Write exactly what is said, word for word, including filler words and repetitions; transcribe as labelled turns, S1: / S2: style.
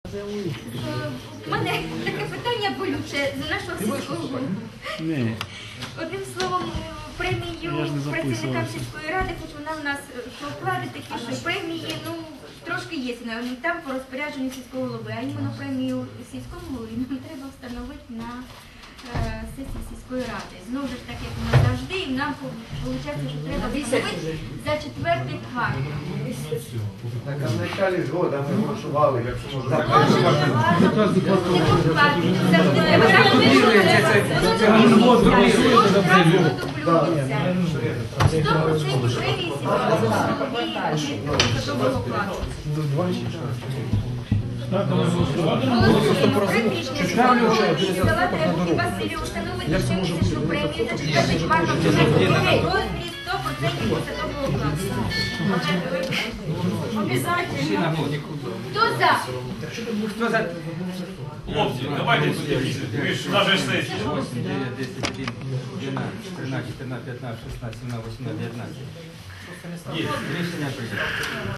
S1: У мене таке питання болюче за нашого сільського голову. Одним словом, премію працівникам сільської ради, хоч вона в нас по оклади такі, що премії, ну, трошки є, там по розпорядженню сільського голови, а іменно премію сільському голові нам треба встановити на е, сесії сільської ради. Знову ж так, як у нас завжди, і нам виходить, що треба встановити за четвертий квартал.
S2: Так, а в началі ж года ми голосували, якщо може.
S1: Може, не важно, не покладати, завжди треба сто процентів премії Василю установити ще що премію за четвертий квартал в розмірі сто процентів посадового окладу. Обязательно. Хто за?
S3: Хто за?
S4: Хлопці, давайте ви ж на же сесії.
S3: восемь, девять, десять, один, двенадцать, тринадцать, четырнадцать, пятнадцать, шестнадцать, семнадцать, восемнадцать, девятнадцать.
S4: Є.
S3: Рішення прийнято.